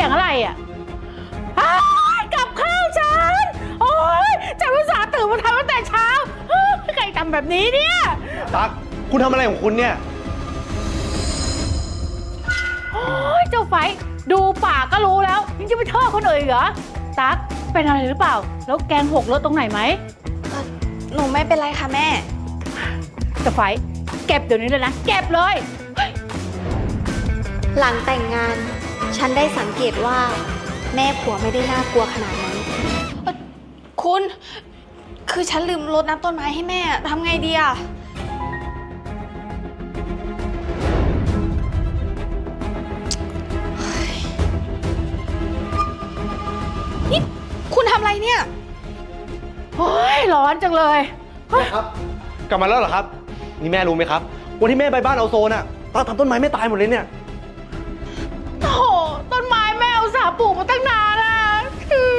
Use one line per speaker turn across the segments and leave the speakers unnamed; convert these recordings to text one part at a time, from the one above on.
สียงอะไรอ่ะกับข้าวฉันโอ๊ยฉันอุตส่าห์ตื่นมาทำตั้งแต่เช้าใครทำแบบนี้เนี่ย
ตั๊กคุณทำอะไรของคุณเนี่ย
โอ๊ยเจ้าไฟดูปากก็รู้แล้วยังจะไปโทษคนอื่นเหรอตั๊กเป็นอะไรหรือเปล่าแล้วแกงหกรถตรงไหนไหม
หนูไม่เป็นไรค่ะแม่
เจ้าไฟเก็บเดี๋ยวนี้เลยนะเก็บเลย
หลังแต่งงานฉันได้สังเกตว่าแม่ผัวไม่ได้น่ากลัวขนาดนั้นคุณคือฉันลืมรดน้ำต้นไม้ให้แม่ทำไงดีอะนี่คุณทำอะไรเนี่ย
โอ้ยร้อนจังเลย
แม่ครับกลับมาแล้วเหรอครับนี่แม่รู้ไหมครับวันที่แม่ไปบ้านเอาโซนอะตั๊กทำต้นไม้ไม่ตายหมดเลยเนี่ย
โอ้โหต้นไม้แม่อุตส่าห์ปลูกมาตั้งนานนะคือ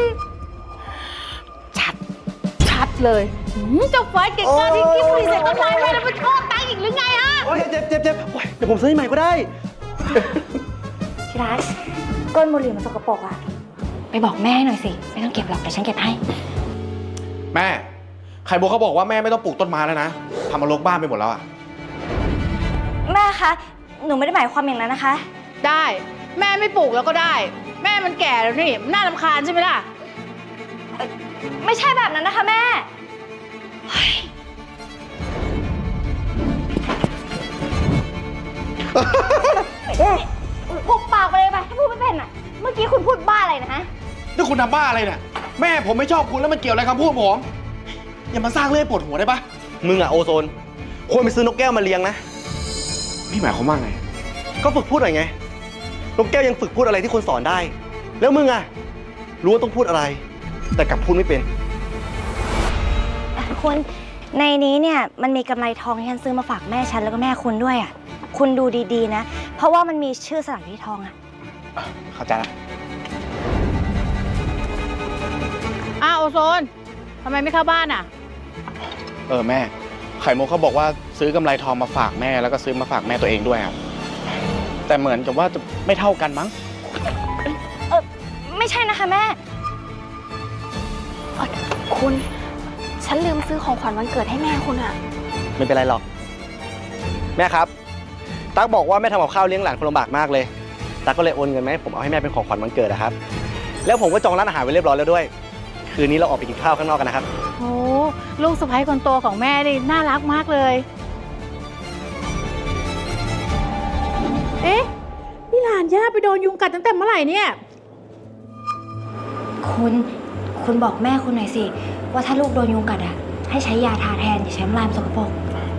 ชัดเลยเจ้าไฟเก่งมากที่คิดรีเซ็ตต้นไม้แม่แล้วมันโทษตังอีกหรือไงฮะ
โอ้ยเจ็บเดี๋ยวผมซื้อให้ใหม่ก็ได้
ที่รักก้นบุหรี่มันสกปรกอะไปบอกแม่หน่อยสิไม่ต้องเก็บหรอกแต่ฉันเก็บให้
แม่ไข่มุกเขาบอกว่าแม่ไม่ต้องปลูกต้นไม้แล้วนะทำมารกบ้านไปหมดแล้วอะ
แม่คะหนูไม่ได้หมายความอย่างนั้นนะคะ
ได้แม่ไม่ปลูกแล้วก็ได้แม่มันแก่แล้วนี่น่ารำคาญใช่ไหมล่ะ
ไม่ใช่แบบนั้นนะคะแม่ปุบปากไปเลยไปถ้าพูดไม่เป็นอ่ะเมื่อกี้คุณพูดบ้าอะไรนะฮะ
นี่คุณทำบ้าอะไรเนี่ยแม่ผมไม่ชอบคุณแล้วมันเกี่ยวอะไรคำพูดผมอย่ามาสร้างเรื่องปวดหัวได้ปะ
มึงอะโอโซนควรไปซื้อนกแก้วมาเลี้ยงนะ
พี่หมายความว่าไง
ก็ฝึกพูดหน่อยไงนกแก้วยังฝึกพูดอะไรที่คนสอนได้แล้วมึงอะรู้ว่าต้องพูดอะไรแต่กลับพูดไม่เป็น
คุณในนี้เนี่ยมันมีกำไรทองที่ฉันซื้อมาฝากแม่ฉันแล้วก็แม่คุณด้วยอ่ะคุณดูดีๆนะเพราะว่ามันมีชื่อสถานที่ทองอ่ะ
เข้าใจละ
โอโซนทำไมไม่เข้าบ้านอ่ะ
แม่ไข่มุกเขาบอกว่าซื้อกำไรทองมาฝากแม่แล้วก็ซื้อมาฝากแม่ตัวเองด้วยครับแต่เหมือนกับว่าจะไม่เท่ากันมั้ง
ไม่ใช่นะคะแม่
คุณฉันลืมซื้อของขวัญวันเกิดให้แม่คุณอะ
ไม่เป็นไรหรอกแม่ครับตั๊กบอกว่าแม่ทำกับข้าวเลี้ยงหลานคนลำบากมากเลยตั๊กก็เลยโอนเงินมาให้ผมเอาให้แม่เป็นของขวัญวันเกิดนะครับแล้วผมก็จองร้านอาหารไว้เรียบร้อยแล้วด้วยคืนนี้เราออกไปกินข้าวข้างนอกกันนะครับ
โอ้ลูกสะใภ้คนโตของแม่นี่น่ารักมากเลยเอ๊ะนี่หลานย่าไปโดนยุงกัดตั้งแต่เมื่อไหร่เนี่ย
คุณบอกแม่คุณหน่อยสิว่าถ้าลูกโดนยุงกัดอ่ะให้ใช้ยาทาแทนอย่าใช้น้ำลายสกปรก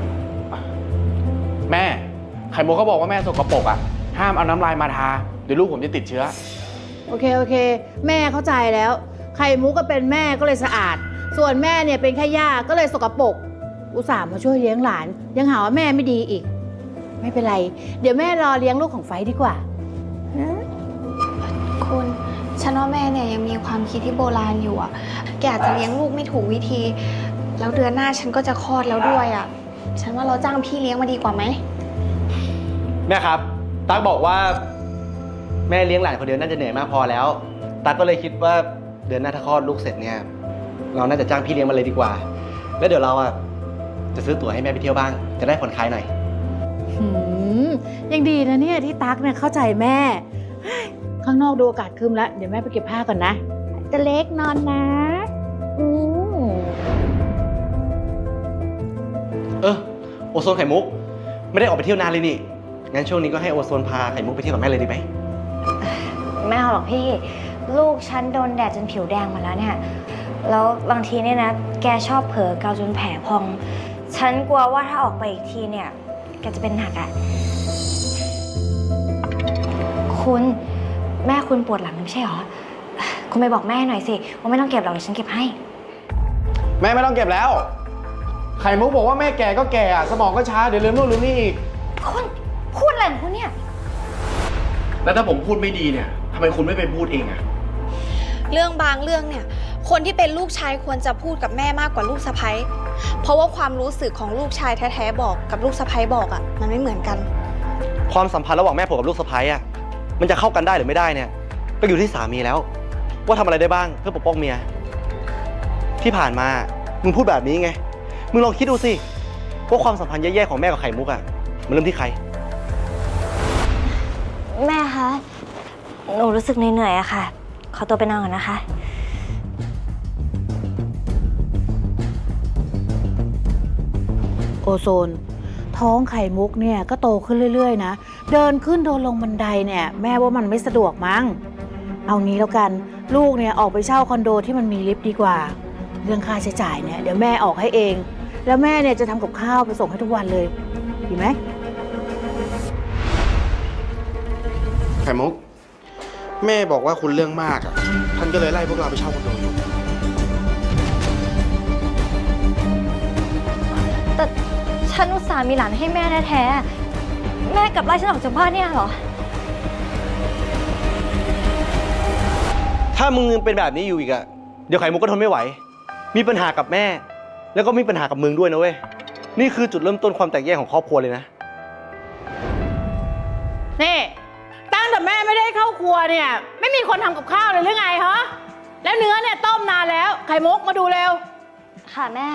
แม่ไข่มุกเขาบอกว่าแม่สกปรกอ่ะห้ามเอาน้ำลายมาทาเดี๋ยวลูกผมจะติดเชื้อ
โอเคแม่เข้าใจแล้วไข่มุกก็เป็นแม่ก็เลยสะอาดส่วนแม่เนี่ยเป็นแค่ย่าก็เลยสกปรกอุตส่าห์มาช่วยเลี้ยงหลานยังหาว่าแม่ไม่ดีอีกไม่เป็นไรเดี๋ยวแม่รอเลี้ยงลูกของไฟดีกว่านะ
คุณฉันว่าแม่เนี่ยยังมีความคิดที่โบราณอยู่อ่ะแกอาจจะเลี้ยงลูกไม่ถูกวิธีแล้วเดือนหน้าฉันก็จะคลอดแล้วด้วยอ่ะฉันว่าเราจ้างพี่เลี้ยงมาดีกว่าไหม
แม่ครับตั๊กบอกว่าแม่เลี้ยงหลานคนเดียวน่าจะเหนื่อยมากพอแล้วตั๊กก็เลยคิดว่าเดือนหน้าถ้าคลอดลูกเสร็จเนี่ยเราน่าจะจ้างพี่เลี้ยงมาเลยดีกว่าแล้วเดี๋ยวเราจะซื้อตั๋วให้แม่ไปเที่ยวบ้างจะได้ผ่อนคลายหน่อย
ยังดีนะเนี่ยที่ตั๊กเนี่ยเข้าใจแม่ข้างนอกดูอากาศครึ้มแล้วเดี๋ยวแม่ไปเก็บผ้าก่อนนะจะเล็กนอนนะ
โอโซนไข่มุกไม่ได้ออกไปเที่ยวนานเลยนี่งั้นช่วงนี้ก็ให้โอโซนพาไข่มุกไปเที่ยวกับแม่เลยดีไหม
ไม่เอาหรอกพี่ลูกฉันโดนแดดจนผิวแดงมาแล้วเนี่ยแล้วบางทีเนี่ยนะแกชอบเผลอเกาจนแผลพองฉันกลัวว่าถ้าออกไปอีกทีเนี่ยแกจะเป็นหนักอ่ะคุณแม่คุณปวดหลังไม่ใช่หรอคุณไปบอกแม่หน่อยสิว่าไม่ต้องเก็บหรอกเดี๋ยวฉันเก็บให้
แม่ไม่ต้องเก็บแล้วไข่มุกบอกว่าแม่แก่ก็แก่สมองก็ช้าเดี๋ยวลืมนู่นลืมนี่อีก
คุณพูดอะไรของคุณเนี่ย
แล้วถ้าผมพูดไม่ดีเนี่ยทำไมคุณไม่ไปพูดเองอะ
เรื่องบางเรื่องเนี่ยคนที่เป็นลูกชายควรจะพูดกับแม่มากกว่าลูกสะใภ้เพราะว่าความรู้สึกของลูกชายแท้ๆบอกกับลูกสะใภ้บอกอ่ะมันไม่เหมือนกัน
ความสัมพันธ์ระหว่างแม่ผมกับลูกสะใภ้มันจะเข้ากันได้หรือไม่ได้เนี่ยก็อยู่ที่สามีแล้ว ว่าทำอะไรได้บ้างเพื่อปกป้องเมีย ที่ผ่านมามึงพูดแบบนี้ไง มึงลองคิดดูสิว่าความสัมพันธ์แย่ๆของแม่กับไข่มุกอะมันเริ่มที่ใคร
แม่คะ หนูรู้สึกเหนื่อยๆอะค่ะ ขอตัวไปนอนก่อนนะคะ
โอโซน ท้องไข่มุกเนี่ยก็โตขึ้นเรื่อยๆนะ เดินขึ้นเดินลงบันไดเนี่ยแม่ว่ามันไม่สะดวกมั้ง เอางี้แล้วกันลูกเนี่ยออกไปเช่าคอนโดที่มันมีลิฟต์ดีกว่า เรื่องค่าใช้จ่ายเนี่ยเดี๋ยวแม่ออกให้เอง แล้วแม่เนี่ยจะทำกับข้าวไปส่งให้ทุกวันเลยดีไหม
ไข่มุก แม่บอกว่าคุณเรื่องมากอ่ะ ท่านก็เลยไล่พวกเราไปเช่าคอนโดอยู่
แต่ฉันอุตส่าห์มีหลานให้แม่แท้ๆ แม่กลับไล่ฉันออกจากบ้านเนี่ยเหรอ
ถ้ามึงเป็นแบบนี้อยู่อีกอะเดี๋ยวไข่มุกก็ทนไม่ไหว มีปัญหากับแม่ แล้วก็มีปัญหากับมึงด้วยนะเว้ย นี่คือจุดเริ่มต้นความแตกแยกของครอบครัวเลยนะ
นี่ตั้งแต่แม่ไม่ได้เข้าครัวเนี่ยไม่มีคนทำกับข้าวเลยหรือไงฮะแล้วเนื้อเนี่ยต้มนานแล้วไข่มุกมาดูเร็ว
ค่ะแม่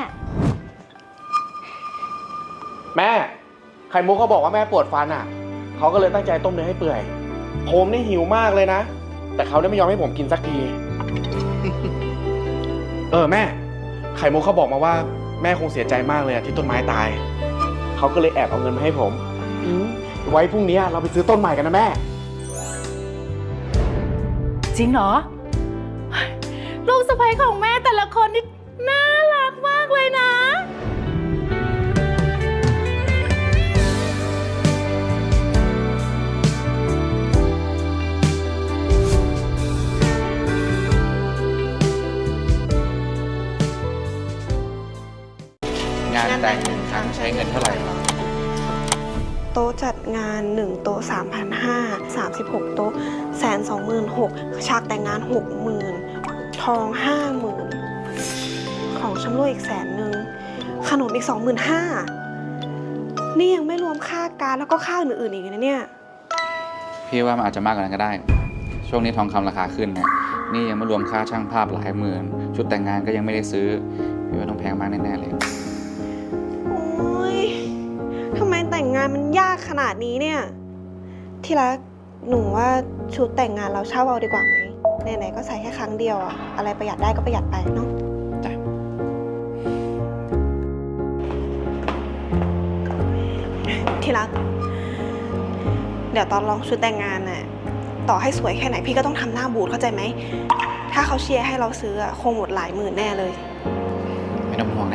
แม่ ไข่มุกเขาบอกว่าแม่ปวดฟันอ่ะ เขาก็เลยตั้งใจต้มเนื้อให้เปื่อย ผมนี่หิวมากเลยนะ แต่เขาได้ไม่ยอมให้ผมกินสักที แม่ ไข่มุกเขาบอกมาว่าแม่คงเสียใจมากเลยอะที่ต้นไม้ตาย เขาก็เลยแอบเอาเงินมาให้ผมไว้พรุ่งนี้เราไปซื้อต้นใหม่กันนะแม่
จริงเหรอ ลูกสะใภ้ของแม่แต่ละคนนี่น่ารักมากเลยนะ
งานแต่ง1 ครั้งใช้เงินเท่าไหร่ครับ
โต๊ะจัดงาน 1 โต๊ะ 3,500 36 โต๊ะ126,000ฉากแต่งงาน 60,000 ทอง 50,000 ของชำร่วยอีก100,000 ขนมอีก 25,000 นี่ยังไม่รวมค่าการแล้วก็ค่าอื่นๆอีกนะเนี่ย
พี่ว่ามันอาจจะมากกว่านั้นก็ได้ ช่วงนี้ทองคำราคาขึ้นเนี่ยนี่ยังไม่รวมค่าช่างภาพหลายหมื่น ชุดแต่งงานก็ยังไม่ได้ซื้อพี่ว่าต้องแพงมากแน่ๆเลย
โอ๊ย ทำไมแต่งงานมันยากขนาดนี้เนี่ย ที่รัก หนูว่าชุดแต่งงานเราเช่าเอาดีกว่าไหมไหนๆก็ใส่แค่ครั้งเดียวอะอะไรประหยัดได้ก็ประหยัดไปเนาะ
จ้ะ
ที่รัก เดี๋ยวตอนลองชุดแต่งงานน่ะ ต่อให้สวยแค่ไหนพี่ก็ต้องทำหน้าบูดเข้าใจไหม ถ้าเขาเชียร์ให้เราซื้ออะคงหมดหลายหมื่นแน่เลย
ไม่ต้องห่วงนะ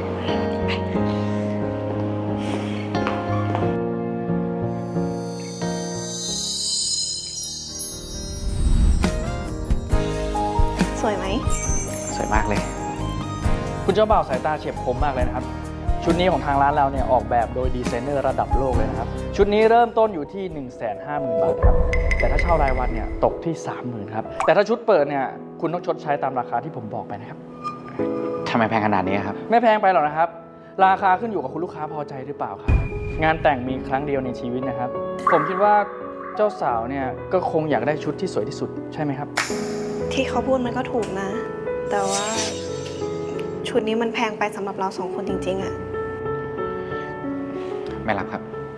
สวยไหม
สวยมากเลย
คุณเจ้าบ่าวสายตาเฉียบคมมากเลยนะครับ ชุดนี้ของทางร้านเราเนี่ยออกแบบโดยดีไซเนอร์ระดับโลกเลยนะครับ ชุดนี้เริ่มต้นอยู่ที่ 150,000 บาทครับ แต่ถ้าเช่ารายวันเนี่ยตกที่ 30,000 ครับ แต่ถ้าชุดเปิดเนี่ยคุณต้องชดใช้ตามราคาที่ผมบอกไปนะครับ
ทำไมแพงขนาดนี้ครับ
ไม่แพงไปหรอกนะครับ ราคาขึ้นอยู่กับคุณลูกค้าพอใจหรือเปล่าครับ งานแต่งมีครั้งเดียวในชีวิตนะครับ ผมคิดว่าเจ้าสาวเนี่ยก็คงอยากได้ชุดที่สวยที่สุดใช่ไหมครับ
ที่เขาพูดมันก็ถูกนะ แต่ว่าชุดนี้มันแพงไปสำหรับเรา2 คนจริงๆอะ
ไม่รับครับ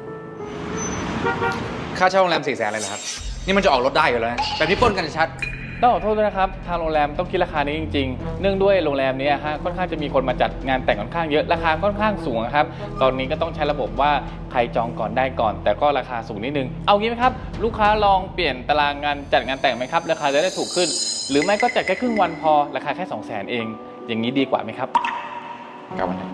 ค่าเช่าโรงแรม400,000เลยเหรอครับ นี่มันจะออกรถได้อยู่แล้วนะแบบนี้ปล้นกันชัด
ต้องขอโทษด้วยนะครับ ทางโรงแรมต้องคิดราคานี้จริงๆ เนื่องด้วยโรงแรมนี้ฮะค่อนข้างจะมีคนมาจัดงานแต่งค่อนข้างเยอะราคาค่อนข้างสูงครับตอนนี้ก็ต้องใช้ระบบว่าใครจองก่อนได้ก่อน แต่ก็ราคาสูงนิดนึงเอางี้ไหมครับลูกค้าลองเปลี่ยนตารางงานจัดงานแต่งไหมครับราคาจะได้ถูกขึ้น หรือไม่ก็จัดแค่ครึ่งวันพอราคาแค่200,000เอง อย่างนี้ดีกว่าไหมครับ
กับวันนี้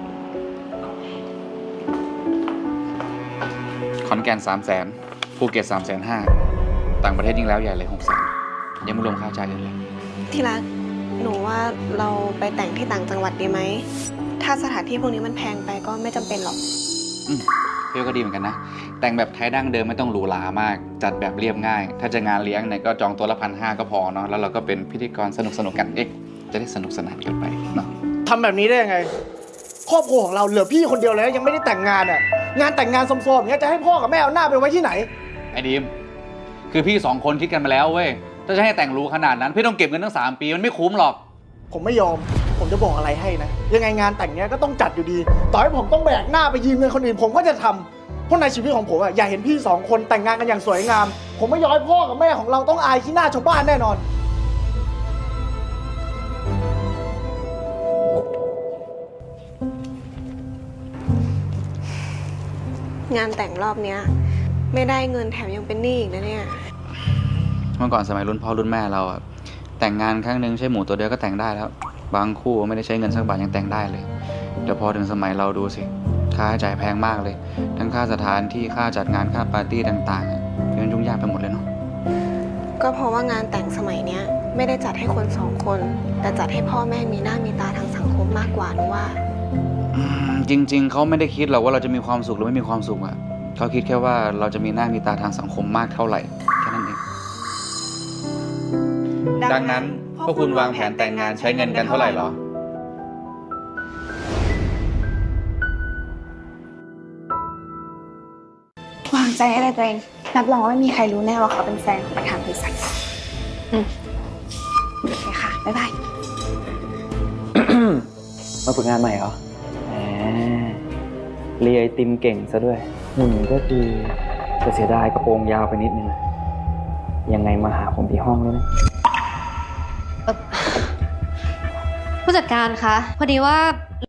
ขอนแก่น300,000ภูเก็ต350,000ต่างประเทศยิ่งแล้วใหญ่เลย600,000ยังไม่รวมค่าใช้จ่ายเลย
ที่รัก หนูว่าเราไปแต่งที่ต่างจังหวัดดีไหม ถ้าสถานที่พวกนี้มันแพงไปก็ไม่จำเป็นหรอก
พี่ก็ดีเหมือนกันนะ แต่งแบบไทยดั้งเดิมไม่ต้องหรูหรามาก จัดแบบเรียบง่าย ถ้าจะงานเลี้ยงเนี่ยก็จองตัวละ1,500ก็พอเนาะแล้วเราก็เป็นพิธีกรสนุกกันจะได้สนุกสนานกันไปเนาะ
ทำแบบนี้ได้ยังไง ครอบครัวของเราเหลือพี่คนเดียวเลยนะยังไม่ได้แต่งงานอ่ะ งานแต่งงานสมๆอย่างเงี้ยจะให้พ่อกับแม่เอาหน้าไปไว้ที่ไหน
ไอ้ดีมคือพี่2 คนคิดกันมาแล้วเว้ยถ้าจะให้แต่งรู้ขนาดนั้น พี่ต้องเก็บเงินตั้ง3 ปีมันไม่คุ้มหรอก
ผมไม่ยอม ผมจะบอกอะไรให้นะ ยังไงงานแต่งเนี้ยก็ต้องจัดอยู่ดี ต่อให้ผมต้องแบกหน้าไปยืมเงินคนอื่น ผมก็จะทำเพราะในชีวิตของผมอะอยากเห็นพี่2 คนแต่งงานกันอย่างสวยงาม ผมไม่ยอมให้พ่อกับแม่ของเราต้องอายขี้หน้าชาวบ้านแน่นอน
งานแต่งรอบเนี้ยไม่ได้เงินแถมยังเป็นหนี้อีกนะเนี่ย
เมื่อก่อนสมัยรุ่นพ่อรุ่นแม่เราอะแต่งงานครั้งหนึ่งใช้หมูตัวเดียวก็แต่งได้แล้ว บางคู่ไม่ได้ใช้เงินสักบาทยังแต่งได้เลยแต่พอถึงสมัยเราดูสิค่าใช้จ่ายแพงมากเลย ทั้งค่าสถานที่ค่าจัดงานค่าปาร์ตี้ต่างๆอะมันยุ่งยากไปหมดเลยเนาะ
ก็เพราะว่างานแต่งสมัยเนี้ยไม่ได้จัดให้คน2 คน แต่จัดให้พ่อแม่มีหน้ามีตาทางสังคมมากกว่าหนูว่า
จริงๆเขาไม่ได้คิดหรอกว่าเราจะมีความสุขหรือไม่มีความสุขอะเขาคิดแค่ว่าเราจะมีหน้ามีตาทางสังคมมากเท่าไหร่แค่นั้นเองดังนั้นพวกคุณวางแผนแต่งงานใช้เงินกันเท่าไหร่หรอ
วางใจให้เลยตัวเองรับรองว่าไม่มีใครรู้แน่ว่าเขาเป็นแฟนของประธานบริษัทโอเคค่ะ บ๊ายบาย
มาฝึกงานใหม่เหรอแหมเรียไอติมเก่งซะด้วยหุ่นก็ดีแต่เสียดายกระโปรงยาวไปนิดนึง ยังไงมาหาผมที่ห้องด้วยนะ
ผู้จัดการคะพอดีว่า